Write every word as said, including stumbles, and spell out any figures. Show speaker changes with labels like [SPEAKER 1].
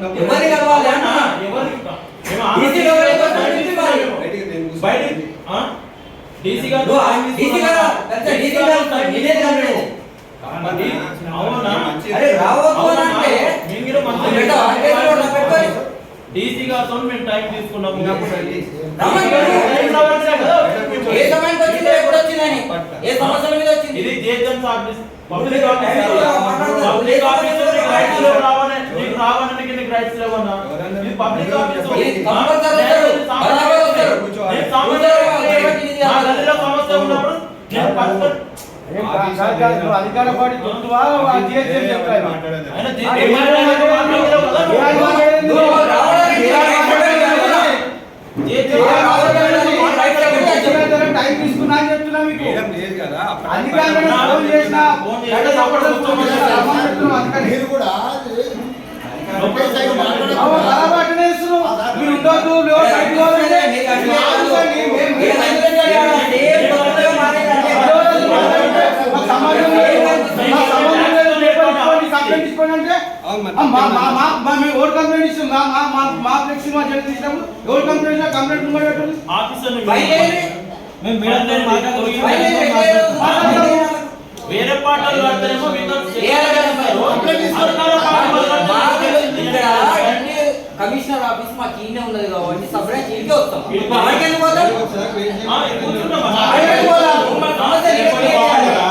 [SPEAKER 1] ఎవరి కలవాలి అన్నా
[SPEAKER 2] ఎవరి
[SPEAKER 1] డీసీ గారు
[SPEAKER 2] బయటికి ఆ డీసీ గారు
[SPEAKER 1] డీసీ గారు పెద్ద డీసీ గారు నిన్నే కాదు
[SPEAKER 2] అవునా
[SPEAKER 1] అరే రావద్దు అంటే
[SPEAKER 2] మీరు మంచి
[SPEAKER 1] బెట ఆర్గేలో పెట్టుకొని
[SPEAKER 2] డీసీ గారితో మేము టైం తీసుకున్నాము
[SPEAKER 1] ఏ సమయానికి వచ్చింది ఎప్పుడు వచ్చిందని ఏ సమస్యల మీద వచ్చింది
[SPEAKER 2] ఇది జేజన్ office public office public office నీకు రైట్స్ లేవు రావనే నీకు రావడానికి నీకు రైట్స్ లేవన్నా ఇది పబ్లిక్ ఆఫీస్
[SPEAKER 1] ఇది కంపల్సరీ వస్తారు బరాబర్ వస్తారు
[SPEAKER 2] నేను సమస్య నా గదిలో సమస్య ఉన్నప్పుడు నేను పర్సన్
[SPEAKER 3] అధికార పార్టీ దొరుకువా జేజన్ చెప్పాలి
[SPEAKER 2] ఆయన జేజన్ మాట్లాడలేదు కదా
[SPEAKER 3] టైం తీసుకున్నా అని చెప్తున్నా మీకు
[SPEAKER 4] లేదు కదా
[SPEAKER 3] అధికారులను ఫోన్ చేసినా
[SPEAKER 4] మీరు కూడా
[SPEAKER 3] అలవాటునే ఇస్తున్నారు మీరు ఉండొద్దు ఓట్ కంప్లైంట్ ఇస్తున్నాం మా ఫ్లెక్సీ మా జడ్జి తీసినప్పుడు ఎవరు కంప్లైంట్ కంప్లైంట్ ముందు పెట్టండి
[SPEAKER 2] ఆఫీసర్
[SPEAKER 3] మేము మేడం
[SPEAKER 2] వేరే పాటలు కడతారేమో
[SPEAKER 1] కమిషనర్ ఆఫీస్ మాకు ఈయనే ఉన్నది కాబట్టి సపరేట్ ఇంటికి వస్తాం.